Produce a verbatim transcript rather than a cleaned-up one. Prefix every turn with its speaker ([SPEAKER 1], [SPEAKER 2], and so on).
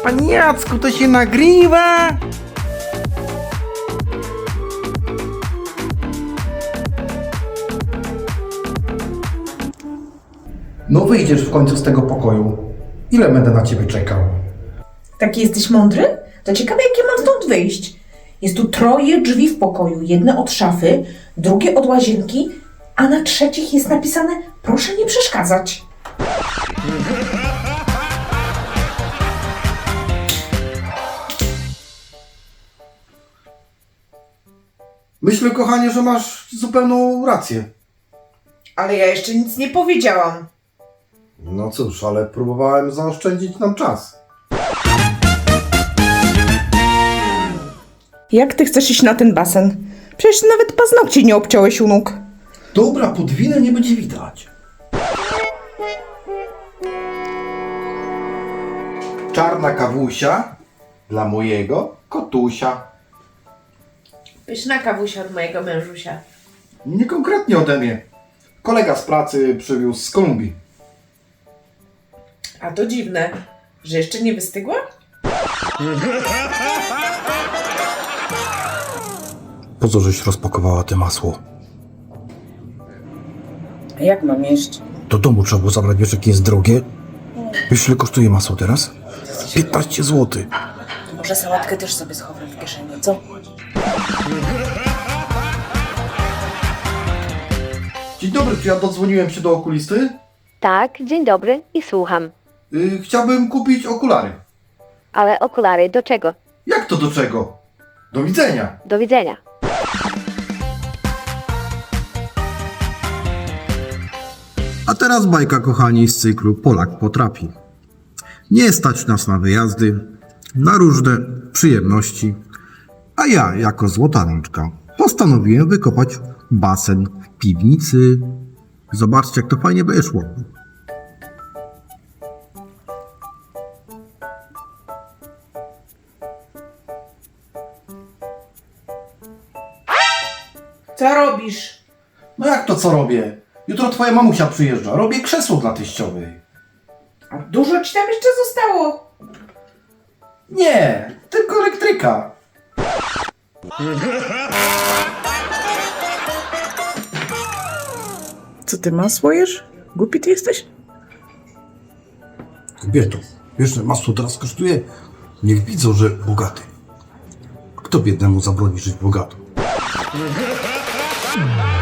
[SPEAKER 1] Panie Jacku, to się nagrywa?
[SPEAKER 2] No wyjdziesz w końcu z tego pokoju. Ile będę na ciebie czekał?
[SPEAKER 3] Taki jesteś mądry? To ciekawe, jak ja mam stąd wyjść. Jest tu troje drzwi w pokoju. Jedne od szafy, drugie od łazienki, a na trzecich jest napisane proszę nie przeszkadzać.
[SPEAKER 2] Myślę, kochanie, że masz zupełną rację.
[SPEAKER 3] Ale ja jeszcze nic nie powiedziałam.
[SPEAKER 2] No cóż, ale próbowałem zaoszczędzić nam czas.
[SPEAKER 3] Jak ty chcesz iść na ten basen? Przecież nawet paznokci nie obciąłeś u nóg.
[SPEAKER 2] Dobra, podwinę nie będzie widać. Czarna kawusia dla mojego kotusia.
[SPEAKER 4] Pyszna kawusia od mojego mężusia.
[SPEAKER 2] Nie konkretnie ode mnie. Kolega z pracy przywiózł z Kolumbii.
[SPEAKER 4] A to dziwne, że jeszcze nie wystygła?
[SPEAKER 2] Po co żeś rozpakowała te masło?
[SPEAKER 3] A jak mam jeść?
[SPEAKER 2] Do domu trzeba było zabrać, wiesz jakie jest drogie? Wiesz ile kosztuje masło teraz? piętnaście złotych.
[SPEAKER 3] Może sałatkę też sobie schowam w kieszeni, co?
[SPEAKER 2] Dzień dobry, czy ja dodzwoniłem się do okulisty?
[SPEAKER 5] Tak, dzień dobry i słucham.
[SPEAKER 2] Yy, chciałbym kupić okulary.
[SPEAKER 5] Ale okulary do czego?
[SPEAKER 2] Jak to do czego? Do widzenia.
[SPEAKER 5] Do widzenia.
[SPEAKER 6] A teraz bajka, kochani, z cyklu Polak potrafi. Nie stać nas na wyjazdy, na różne przyjemności, a ja, jako złota rączka, postanowiłem wykopać basen w piwnicy. Zobaczcie, jak to fajnie wyszło.
[SPEAKER 3] Co robisz?
[SPEAKER 2] No jak to co robię? Jutro twoja mamusia przyjeżdża. Robię krzesło dla teściowej.
[SPEAKER 3] A dużo ci tam jeszcze zostało?
[SPEAKER 2] Nie, tylko elektryka.
[SPEAKER 3] Co ty masło jesz? Głupi ty jesteś?
[SPEAKER 6] Kobieto, wiesz, że masło teraz kosztuje? Niech widzą, że bogaty. Kto biednemu zabroni żyć bogato?